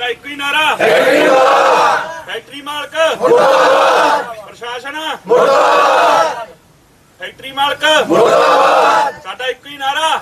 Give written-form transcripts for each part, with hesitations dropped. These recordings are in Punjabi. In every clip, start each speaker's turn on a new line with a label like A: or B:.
A: ਇੱਕ ਹੀ ਨਾਰਾ ਫੈਕਟਰੀ ਮਾਲਕ ਮੁਰਦਾਬਾਦ, ਪ੍ਰਸ਼ਾਸਨ ਮੁਰਦਾਬਾਦ, ਫੈਕਟਰੀ ਮਾਲਕ ਮੁਰਦਾਬਾਦ, ਸਾਡਾ ਇੱਕ ਹੀ ਨਾਰਾ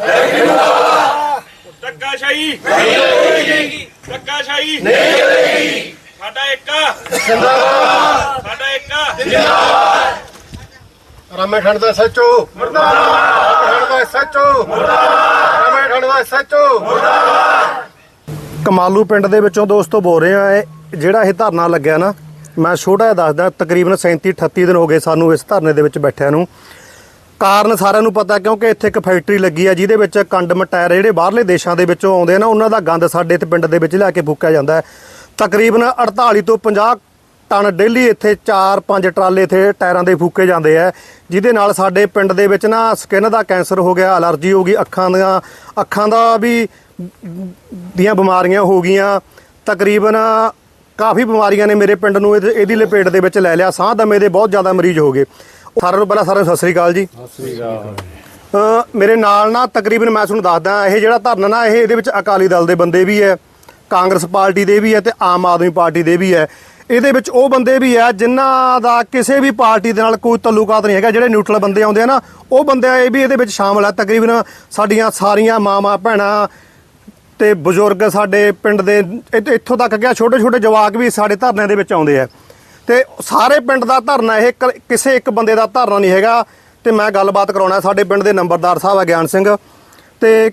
A: ਧੱਕਾਸ਼ਾਹੀ ਨਹੀਂ ਚਲੇਗੀ, ਧੱਕਾਸ਼ਾਹੀ ਨਹੀਂ ਚਲੇਗੀ, ਸਾਡਾ ਇੱਕ ਜਿੰਦਾਬਾਦ, ਸਾਡਾ ਇੱਕ ਜਿੰਦਾਬਾਦ।
B: ਰਾਮੇ ਠੰਡ ਦਾ ਸੱਚੋ ਮੁਰਦਾਬਾਦ, ਠੰਡ ਦਾ ਸੱਚੋ ਮੁਰਦਾਬਾਦ, ਰਾਮੇ ਠੰਡ ਦਾ ਸੱਚੋ ਮੁਰਦਾਬਾਦ। ਕਮਾਲੂ ਪਿੰਡ ਦੇ ਵਿੱਚੋਂ ਦੋਸਤੋ ਬੋਲ ਰਹੇ ਆ। ਜਿਹੜਾ ਇਹ ਧਰਨਾ ਲੱਗਿਆ ਨਾ, ਮੈਂ ਛੋਟਾ ਜਿਹਾ ਦੱਸਦਾ, ਤਕਰੀਬਨ 37-38 ਦਿਨ ਹੋ ਗਏ ਸਾਨੂੰ ਇਸ ਧਰਨੇ ਦੇ ਵਿੱਚ ਬੈਠਿਆਂ ਨੂੰ। ਕਾਰਨ ਸਾਰਿਆਂ ਨੂੰ ਪਤਾ, ਕਿਉਂਕਿ ਇੱਥੇ ਇੱਕ ਫੈਕਟਰੀ ਲੱਗੀ ਆ ਜਿਹਦੇ ਵਿੱਚ ਕੰਡਮ ਟਾਇਰ ਜਿਹੜੇ ਬਾਹਰਲੇ ਦੇਸ਼ਾਂ ਦੇ ਵਿੱਚੋਂ ਆਉਂਦੇ ਆ ਨਾ, ਉਹਨਾਂ ਦਾ ਗੰਦ ਸਾਡੇ ਇੱਥੇ ਪਿੰਡ ਦੇ ਵਿੱਚ ਲਿਆ ਕੇ ਫੂਕਿਆ ਜਾਂਦਾ ਹੈ। ਤਕਰੀਬਨ 48 ਤੋਂ 50 ਟਨ ਡੇਲੀ ਇੱਥੇ 4-5 ਟਰਾਲੇ ਇੱਥੇ ਟਾਇਰਾਂ ਦੇ ਫੂਕੇ ਜਾਂਦੇ ਆ, ਜਿਹਦੇ ਨਾਲ ਸਾਡੇ ਪਿੰਡ ਦੇ ਵਿੱਚ ਨਾ ਸਕਿਨ ਦਾ ਕੈਂਸਰ ਹੋ ਗਿਆ, ਅਲਰਜੀ ਹੋ ਗਈ, ਅੱਖਾਂ ਦਾ ਵੀ ਦੀਆਂ ਬਿਮਾਰੀਆਂ ਹੋ ਗਈਆਂ। ਤਕਰੀਬਨ ਕਾਫੀ ਬਿਮਾਰੀਆਂ ਨੇ ਮੇਰੇ ਪਿੰਡ ਨੂੰ ਇਹਦੀ ਲਪੇਟ ਦੇ ਵਿੱਚ ਲੈ ਲਿਆ। ਸਾਹ ਦਮੇ ਦੇ ਬਹੁਤ ਜ਼ਿਆਦਾ ਮਰੀਜ਼ ਹੋ ਗਏ। ਸਾਰਿਆਂ ਨੂੰ ਪਹਿਲਾਂ ਸਾਰਿਆਂ ਨੂੰ ਸਤਿ ਸ੍ਰੀ ਅਕਾਲ ਜੀ।
C: ਸਤਿ ਸ੍ਰੀ ਅਕਾਲ।
B: ਮੇਰੇ ਨਾਲ ਨਾ ਤਕਰੀਬਨ ਮੈਂ ਤੁਹਾਨੂੰ ਦੱਸਦਾ, ਇਹ ਜਿਹੜਾ ਧਰਨਾ ਨਾ ਇਹਦੇ ਵਿੱਚ ਅਕਾਲੀ ਦਲ ਦੇ ਬੰਦੇ ਵੀ ਹੈ, ਕਾਂਗਰਸ ਪਾਰਟੀ ਦੇ ਵੀ ਹੈ ਤੇ ਆਮ ਆਦਮੀ ਪਾਰਟੀ ਦੇ ਵੀ ਹੈ। ਇਹਦੇ ਵਿੱਚ ਉਹ ਬੰਦੇ ਵੀ ਹੈ ਜਿਨ੍ਹਾਂ ਦਾ ਕਿਸੇ ਵੀ ਪਾਰਟੀ ਦੇ ਨਾਲ ਕੋਈ ਤਾਲੁਕਾਤ ਨਹੀਂ ਹੈਗਾ। ਜਿਹੜੇ ਨਿਊਟਰਲ ਬੰਦੇ ਆਉਂਦੇ ਆ ਨਾ, ਉਹ ਬੰਦੇ ਇਹ ਵੀ ਇਹਦੇ ਵਿੱਚ ਸ਼ਾਮਲ ਹੈ। ਤਕਰੀਬਨ ਸਾਡੀਆਂ ਸਾਰੀਆਂ ਮਾਵਾਂ ਭੈਣਾਂ ਤੇ ਬਜ਼ੁਰਗ ਸਾਡੇ ਪਿੰਡ ਦੇ ਇੱਥੋਂ ਤੱਕ ਗਿਆ ਛੋਟੇ ਛੋਟੇ ਜਵਾਕ ਵੀ ਸਾਡੇ ਧਰਨੇ ਦੇ ਵਿੱਚ ਆਉਂਦੇ ਆ। ਤੇ ਸਾਰੇ ਪਿੰਡ ਦਾ ਧਰਨਾ, ਇਹ ਕਿਸੇ ਇੱਕ ਬੰਦੇ ਦਾ ਧਰਨਾ ਨਹੀਂ ਹੈਗਾ। ਤੇ ਮੈਂ ਗੱਲਬਾਤ ਕਰਾਉਣਾ ਸਾਡੇ ਪਿੰਡ ਦੇ ਨੰਬਰਦਾਰ ਸਾਹਿਬ ਆ ਗਿਆਨ ਸਿੰਘ। ਤੇ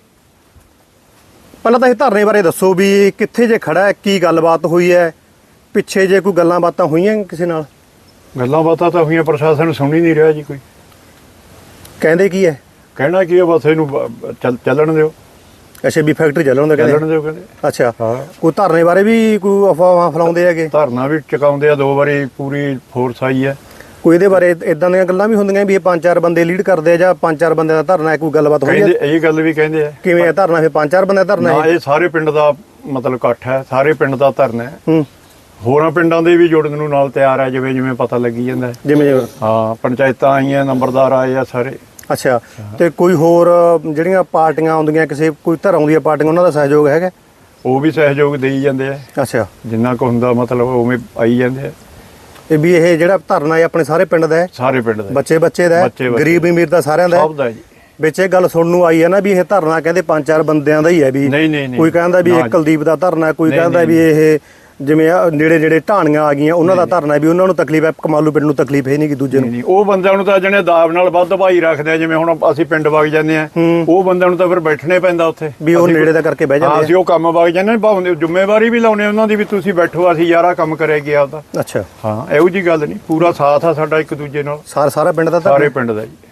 B: ਪਹਿਲਾਂ ਤਾਂ ਇਹ ਧਰਨੇ ਬਾਰੇ ਦੱਸੋ ਵੀ ਕਿੱਥੇ ਜੇ ਖੜਾ ਹੈ, ਕੀ ਗੱਲਬਾਤ ਹੋਈ ਹੈ, ਪਿੱਛੇ ਜੇ ਕੋਈ ਗੱਲਾਂ ਬਾਤਾਂ ਹੋਈਆਂ ਕਿਸੇ ਨਾਲ?
C: ਗੱਲਾਂ ਬਾਤਾਂ ਤਾਂ ਹੋਈਆਂ, ਪ੍ਰਸ਼ਾਸਨ ਸੁਣ ਹੀ ਨਹੀਂ ਰਿਹਾ ਜੀ। ਕੋਈ
B: ਕਹਿੰਦੇ ਕੀ ਹੈ?
C: ਕਹਿਣਾ ਕੀ ਹੈ, ਬਸ ਇਹਨੂੰ ਚੱਲਣ ਦਿਓ।
B: ਅੱਛਾ, ਵੀ ਫੈਕਟਰੀ ਚੱਲਣ ਦਿਓ
C: ਚੱਲਣ ਦਿਓ ਕਹਿੰਦੇ।
B: ਅੱਛਾ,
C: ਹਾਂ।
B: ਕੋਈ ਧਰਨੇ ਬਾਰੇ ਵੀ ਕੋਈ ਅਫਵਾਹਾਂ ਫੈਲਾਉਂਦੇ ਹੈਗੇ?
C: ਧਰਨਾ ਵੀ ਚੁਕਾਉਂਦੇ ਆ, 2 ਵਾਰੀ ਪੂਰੀ ਫੋਰਸ ਆਈ ਹੈ।
B: ਕੋਈ ਇਹਦੇ ਬਾਰੇ ਇਦਾਂ ਦੀਆਂ ਗੱਲਾਂ ਵੀ ਹੁੰਦੀਆਂ ਵੀ ਇਹ 5-4 ਬੰਦੇ ਲੀਡ ਕਰਦੇ ਆ ਜਾਂ 5-4 ਬੰਦਿਆਂ ਦਾ ਧਰਨਾ ਹੈ? ਕੋਈ ਗੱਲਬਾਤ ਹੋਈ ਹੈ?
C: ਇਹ ਗੱਲ ਵੀ ਕਹਿੰਦੇ ਆ।
B: ਕਿਵੇਂ ਹੈ ਧਰਨਾ? ਫਿਰ 5-4 ਬੰਦਿਆਂ ਦਾ ਧਰਨਾ
C: ਨਾ,
B: ਹੈ?
C: ਇਹ ਸਾਰੇ ਪਿੰਡ ਦਾ ਮਤਲਬ ਇਕੱਠ ਹੈ, ਸਾਰੇ ਪਿੰਡ ਦਾ ਧਰਨਾ ਹੈ।
B: ਹੂੰ।
C: ਹੋਰਾਂ ਪਿੰਡਾਂ ਦੇ ਵੀ ਜੁੜਨ ਨੂੰ ਨਾਲ ਤਿਆਰ ਹੈ, ਜਿਵੇਂ ਜਿਵੇਂ ਪਤਾ ਲੱਗੀ ਜਾਂਦਾ ਹੈ।
B: ਜਿਵੇਂ
C: ਹਾਂ, ਪੰਚਾਇਤਾਂ ਆਈਆਂ, ਨੰਬਰਦਾਰ ਆਏ ਆ ਸਾਰੇ।
B: ਅੱਛਾ, ਤੇ ਕੋਈ ਹੋਰ ਜਿਹੜੀਆਂ ਪਾਰਟੀਆਂ ਆਉਂਦੀਆਂ, ਕਿਸੇ ਕੋਈ ਧਰਮ ਦੀਆਂ ਪਾਰਟੀਆਂ, ਉਹਨਾਂ ਦਾ ਸਹਿਯੋਗ ਹੈਗਾ?
C: ਉਹ ਵੀ ਸਹਿਯੋਗ ਦੇਈ ਜਾਂਦੇ ਆ,
B: ਅੱਛਾ,
C: ਜਿੰਨਾ ਕੁ ਹੁੰਦਾ ਮਤਲਬ ਉਵੇਂ ਆਈ ਜਾਂਦੇ ਆ।
B: ਇਹ ਵੀ ਇਹ ਜਿਹੜਾ ਧਰਨਾ ਹੈ ਆਪਣੇ ਸਾਰੇ ਪਿੰਡ ਦਾ ਹੈ?
C: ਸਾਰੇ ਪਿੰਡ ਦਾ,
B: ਬੱਚੇ ਦਾ ਹੈ, ਗਰੀਬ ਅਮੀਰ ਦਾ, ਸਾਰਿਆਂ ਦਾ
C: ਸਭ ਦਾ ਜੀ।
B: ਵਿੱਚ ਇਹ ਗੱਲ ਸੁਣਨ ਨੂੰ ਆਈ ਹੈ ਨਾ ਵੀ ਇਹ ਧਰਨਾ ਕਹਿੰਦੇ 5-4 ਬੰਦਿਆਂ ਦਾ ਹੀ ਹੈ। ਵੀ
C: ਨਹੀਂ,
B: ਕੋਈ ਕਹਿੰਦਾ ਵੀ ਇਹ ਕੁਲਦੀਪ ਦਾ ਧਰਨਾ, ਕੋਈ ਕਹਿੰਦਾ ਵੀ ਇਹ ਜਿਵੇਂ ਨੇੜੇ ਢਾਣੀਆਂ ਆ ਗਈਆਂ ਉਹਨਾਂ ਦਾ ਧਰਨਾ, ਵੀ ਉਹਨਾਂ ਨੂੰ ਤਕਲੀਫ ਹੈ, ਕਮਾਲੂ ਪਿੰਡ ਨੂੰ ਤਕਲੀਫ ਹੈ ਨਹੀਂ ਕਿ ਦੂਜੇ ਨੂੰ।
C: ਉਹ ਬੰਦਿਆਂ ਨੂੰ ਤਾਂ ਜਣੇ ਦਾਬ ਨਾਲ ਵੱਧ ਭਾਈ ਰੱਖਦੇ ਆ। ਜਿਵੇਂ ਹੁਣ ਅਸੀਂ ਪਿੰਡ ਵਗ ਜਾਂਦੇ ਆ, ਉਹ ਬੰਦਿਆਂ ਨੂੰ ਤਾਂ ਫਿਰ ਬੈਠਣੇ ਪੈਂਦਾ ਉੱਥੇ,
B: ਵੀ ਉਹ ਨੇੜੇ ਦਾ ਕਰਕੇ ਬਹਿ ਜਾਂਦੇ ਆ।
C: ਅਸੀਂ ਉਹ ਕੰਮ ਵਗ ਜਾਂਦੇ, ਭਾਵੇਂ ਜ਼ਿੰਮੇਵਾਰੀ ਵੀ ਲਾਉਣੇ ਉਹਨਾਂ ਦੀ, ਵੀ ਤੁਸੀਂ ਬੈਠੋ, ਅਸੀਂ ਯਾਰਾ ਕੰਮ ਕਰਿਆ ਗਿਆ ਉਹਦਾ।
B: ਅੱਛਾ,
C: ਹਾਂ, ਇਹੋ ਜੀ ਗੱਲ ਨਹੀਂ, ਪੂਰਾ ਸਾਥ ਆ ਸਾਡਾ ਇੱਕ ਦੂਜੇ ਨਾਲ।
B: ਸਾਰਾ ਪਿੰਡ ਦਾ?
C: ਸਾਰੇ ਪਿੰਡ ਦਾ ਜੀ।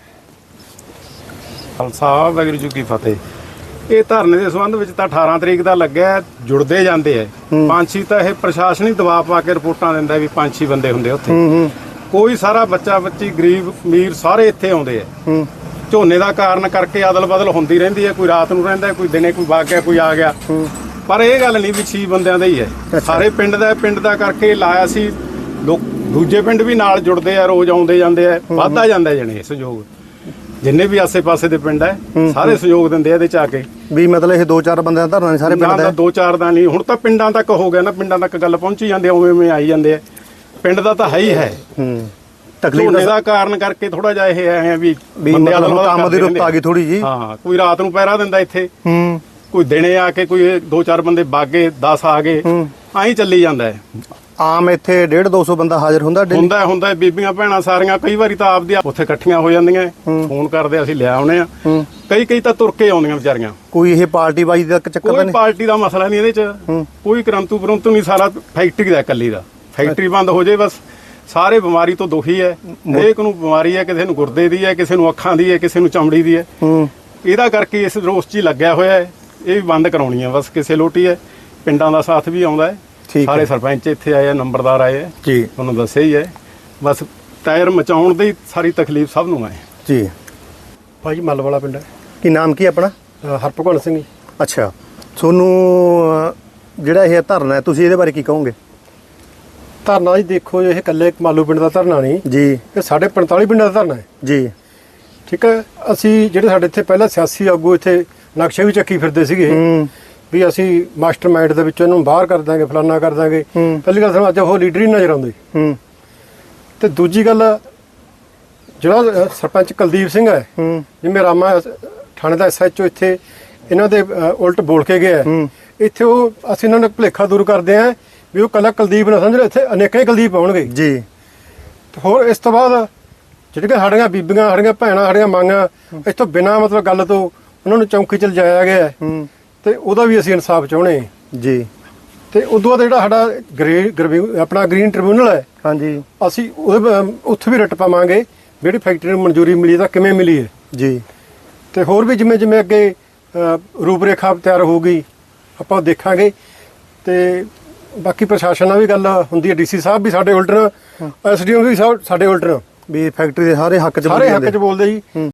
D: ਖਾਲਸਾ ਵਾਹਿਗੁਰੂ ਜੀ ਕੀ ਫਤਿਹ। ਇਹ ਧਰਨੇ ਦੇ ਸੰਬੰਧ ਵਿੱਚ ਤਾਂ 18 ਤਰੀਕ ਦਾ ਲੱਗਿਆ, ਜੁੜਦੇ ਜਾਂਦੇ ਐ ਪੰਛੀ। ਤਾਂ ਇਹ ਪ੍ਰਸ਼ਾਸਨਿਕ ਦਬਾਅ ਪਾ ਕੇ ਰਿਪੋਰਟਾਂ ਦਿੰਦਾ ਵੀ 5-6 ਬੰਦੇ ਹੁੰਦੇ ਉੱਥੇ। ਕੋਈ ਸਾਰਾ ਬੱਚਾ ਬੱਚੀ, ਗਰੀਬ ਅਮੀਰ ਸਾਰੇ ਇੱਥੇ ਆਉਂਦੇ ਐ। ਝੋਨੇ ਦਾ ਕਾਰਨ ਕਰਕੇ ਅਦਲ ਬਦਲ ਹੁੰਦੀ ਰਹਿੰਦੀ ਹੈ, ਕੋਈ ਰਾਤ ਨੂੰ ਰਹਿੰਦਾ, ਕੋਈ ਦਿਨੇ, ਕੋਈ ਵਗ ਗਿਆ, ਕੋਈ ਆ ਗਿਆ। ਪਰ ਇਹ ਗੱਲ ਨਹੀਂ ਵੀ 6 ਬੰਦਿਆਂ ਦਾ ਹੀ ਹੈ, ਸਾਰੇ ਪਿੰਡ ਦਾ। ਪਿੰਡ ਦਾ ਕਰਕੇ ਲਾਇਆ ਸੀ। ਲੋਕ ਦੂਜੇ ਪਿੰਡ ਵੀ ਨਾਲ ਜੁੜਦੇ ਆ, ਰੋਜ਼ ਆਉਂਦੇ ਜਾਂਦੇ ਆ, ਵੱਧਦਾ ਜਾਂਦਾ ਜਣੇ ਸਹਿਯੋਗ। ਜਿੰਨੇ ਵੀ ਆਸੇ-ਪਾਸੇ ਦੇ ਪਿੰਡ ਹੈ ਸਾਰੇ ਸਹਿਯੋਗ ਦਿੰਦੇ ਆ ਇਹਦੇ ਚ ਆ ਕੇ।
B: ਵੀ ਮਤਲਬ ਇਹ 2-4 ਬੰਦਿਆਂ ਦਾ ਧਰਨਾ ਨਹੀਂ, ਸਾਰੇ ਪਿੰਡ ਦਾ?
D: 2-4 ਦਾ ਨਹੀਂ, ਹੁਣ ਤਾਂ ਪਿੰਡਾਂ ਤੱਕ ਹੋ ਗਿਆ ਨਾ, ਪਿੰਡਾਂ ਤੱਕ ਗੱਲ ਪਹੁੰਚੀ ਜਾਂਦੀ, ਉਵੇਂ ਆਈ ਜਾਂਦੇ ਆ। ਪਿੰਡ ਦਾ ਤਾਂ ਹੈ ਹੀ ਹੈ। ਤਕਲੀਫ ਦਾ ਕਾਰਨ ਕਰਕੇ ਥੋੜਾ ਜਿਹਾ ਇਹ ਹੈ ਵੀ
B: ਕੰਮ ਦੀ ਰੁੱਤ ਆ ਗਈ ਥੋੜੀ ਜੀ।
D: ਹਾਂ, ਕੋਈ ਰਾਤ ਨੂੰ ਪਹਿਰਾ ਦਿੰਦਾ ਇੱਥੇ, ਕੋਈ ਦਿਨੇ ਆ ਕੇ, ਕੋਈ 2-4 ਬੰਦੇ ਬਾਗੇ, 10 ਆ ਗਏ, ਆਹੀਂ ਚੱਲੀ ਜਾਂਦਾ ਹੈ।
B: ਆਮ ਇੱਥੇ 150-200 ਬੰਦਾ ਹਾਜ਼ਰ ਹੁੰਦਾ?
D: ਹੁੰਦਾ। ਬੀਬੀਆਂ ਭੈਣਾਂ ਸਾਰੀਆਂ ਕਈ ਵਾਰੀ ਤਾਂ ਆਪਦੀ ਉੱਥੇ ਇਕੱਠੀਆਂ ਹੋ ਜਾਂਦੀਆਂ, ਫੋਨ ਕਰਦੇ, ਅਸੀਂ ਲੈ ਆਉਣੇ ਆ। ਕਈ ਤਾਂ ਤੁਰ ਕੇ ਆਉਂਦੀਆਂ ਵਿਚਾਰੀਆਂ।
B: ਕੋਈ ਇਹ ਪਾਰਟੀ ਬਾਜੀ ਦਾ ਚੱਕਰ
D: ਨਹੀਂ? ਕੋਈ ਪਾਰਟੀ ਦਾ ਮਸਲਾ ਨਹੀਂ ਇਹਦੇ ਚ, ਕੋਈ ਕਰੰਤੂ ਪਰੰਤੂ ਨਹੀਂ। ਸਾਰਾ ਫੈਕਟਰੀ ਦਾ, ਇਕੱਲੀ ਦਾ। ਫੈਕਟਰੀ ਬੰਦ ਹੋ ਜੇ ਬਸ, ਸਾਰੇ ਬਿਮਾਰੀ ਤੋਂ ਦੁਖੀ ਹੈ। ਹਰੇਕ ਨੂੰ ਬਿਮਾਰੀ ਹੈ, ਕਿਸੇ ਨੂੰ ਗੁਰਦੇ ਦੀ ਹੈ, ਕਿਸੇ ਨੂੰ ਅੱਖਾਂ ਦੀ ਹੈ, ਕਿਸੇ ਨੂੰ ਚਮੜੀ ਦੀ ਹੈ। ਇਹਦਾ ਕਰਕੇ ਇਸ ਰੋਸ 'ਚ ਹੀ ਲੱਗਿਆ ਹੋਇਆ ਹੈ। ਇਹ ਵੀ ਬੰਦ ਕਰਾਉਣੀ ਹੈ ਬਸ, ਕਿਸੇ ਲੋਟੀ ਹੈ। ਪਿੰਡਾਂ ਦਾ ਸਾਥ ਵੀ ਆਉਂਦਾ ਹੈ, ਸਾਰੇ ਸਰਪੰਚ ਇੱਥੇ ਆਏ ਆ, ਨੰਬਰਦਾਰ ਆਏ ਆ ਜੀ, ਤੁਹਾਨੂੰ ਦੱਸਿਆ ਹੀ ਹੈ। ਬਸ ਟਾਇਰ ਮਚਾਉਣ ਦੀ ਸਾਰੀ ਤਕਲੀਫ ਸਭ ਨੂੰ ਹੈ
B: ਜੀ।
E: ਭਾਈ ਮੱਲ ਵਾਲਾ ਪਿੰਡ ਹੈ।
B: ਕੀ ਨਾਮ ਕੀ ਆਪਣਾ?
E: ਹਰਭਗਵਾਨ ਸਿੰਘ ਜੀ।
B: ਅੱਛਾ, ਤੁਹਾਨੂੰ ਜਿਹੜਾ ਇਹ ਧਰਨਾ ਹੈ, ਤੁਸੀਂ ਇਹਦੇ ਬਾਰੇ ਕੀ ਕਹੋਗੇ?
E: ਧਰਨਾ ਜੀ ਦੇਖੋ, ਇਹ ਇਕੱਲੇ ਕਮਾਲੂ ਪਿੰਡ ਦਾ ਧਰਨਾ ਨਹੀਂ
B: ਜੀ,
E: ਇਹ ਸਾਡੇ 45 ਪਿੰਡਾਂ ਦਾ ਧਰਨਾ ਹੈ
B: ਜੀ।
E: ਠੀਕ ਹੈ। ਅਸੀਂ ਜਿਹੜੇ ਸਾਡੇ ਇੱਥੇ ਪਹਿਲਾਂ ਸਿਆਸੀ ਆਗੂ ਇੱਥੇ ਨਕਸ਼ੇ ਵੀ ਚੱਕੀ ਫਿਰਦੇ ਸੀਗੇ ਵੀ ਅਸੀਂ ਮਾਸਟਰਮਾਈਂਡ ਦੇ ਵਿੱਚੋਂ ਇਹਨੂੰ ਬਾਹਰ ਕਰ ਦਾਂਗੇ, ਫਲਾਨਾ ਕਰ ਦਾਂਗੇ। ਪਹਿਲੀ ਗੱਲ ਸਾਨੂੰ ਅੱਜ ਉਹ ਲੀਡਰ ਹੀ ਨਜ਼ਰ ਆਉਂਦੇ। ਤੇ ਦੂਜੀ ਗੱਲ, ਜਿਹੜਾ ਸਰਪੰਚ ਕੁਲਦੀਪ ਸਿੰਘ ਹੈ, ਜਿਵੇਂ ਰਾਮਾ ਥਾਣੇ ਦਾ SHO ਇੱਥੇ ਇਹਨਾਂ ਦੇ ਉਲਟ ਬੋਲ ਕੇ ਗਿਆ ਹੈ। ਇੱਥੇ ਉਹ ਅਸੀਂ ਇਹਨਾਂ ਨੂੰ ਭੁਲੇਖਾ ਦੂਰ ਕਰਦੇ ਹਾਂ ਵੀ ਉਹ ਕੱਲਾ ਕੁਲਦੀਪ ਨਾ ਸਮਝ ਲਓ, ਇੱਥੇ ਅਨੇਕਾਂ ਹੀ ਕੁਲਦੀਪ ਆਉਣਗੇ
B: ਜੀ।
E: ਤੇ ਹੋਰ ਇਸ ਤੋਂ ਬਾਅਦ ਜਿਹੜੀਆਂ ਸਾਡੀਆਂ ਬੀਬੀਆਂ, ਸਾਡੀਆਂ ਭੈਣਾਂ, ਸਾਡੀਆਂ ਮਾਂਗਾਂ ਇੱਥੋਂ ਬਿਨਾਂ ਮਤਲਬ ਗੱਲ ਤੋਂ ਉਹਨਾਂ ਨੂੰ ਚੌਂਕੀ 'ਚ ਲਿਜਾਇਆ ਗਿਆ ਹੈ, ਤੇ ਉਹਦਾ ਵੀ ਅਸੀਂ ਇਨਸਾਫ ਚਾਹੁੰਦੇ ਹਾਂ
B: ਜੀ।
E: ਤੇ ਉਦੋਂ ਬਾਅਦ ਜਿਹੜਾ ਸਾਡਾ ਆਪਣਾ ਗ੍ਰੀਨ ਟ੍ਰਿਬਿਊਨਲ ਹੈ,
B: ਹਾਂਜੀ
E: ਅਸੀਂ ਉਹਦੇ ਉੱਥੇ ਵੀ ਰਿਟ ਪਾਵਾਂਗੇ ਜਿਹੜੀ ਫੈਕਟਰੀ ਨੂੰ ਮਨਜ਼ੂਰੀ ਮਿਲੀ ਤਾਂ ਕਿਵੇਂ ਮਿਲੀ ਹੈ
B: ਜੀ।
E: ਤੇ ਹੋਰ ਵੀ ਜਿਵੇਂ ਜਿਵੇਂ ਅੱਗੇ ਰੂਪ ਰੇਖਾ ਤਿਆਰ ਹੋਊਗੀ ਆਪਾਂ ਉਹ ਦੇਖਾਂਗੇ। ਤੇ ਬਾਕੀ ਪ੍ਰਸ਼ਾਸਨ ਨਾਲ ਵੀ ਗੱਲ ਹੁੰਦੀ ਹੈ, DC ਸਾਹਿਬ ਵੀ ਸਾਡੇ ਉਲਟ ਨੇ, SDO ਵੀ ਸਾਡੇ ਉਲਟ ਨੇ,
B: ਵੀ ਫੈਕਟਰੀ ਦੇ ਸਾਰੇ ਹੱਕ 'ਚ
E: ਸਾਰੇ ਹੱਕ 'ਚ ਬੋਲਦੇ ਜੀ।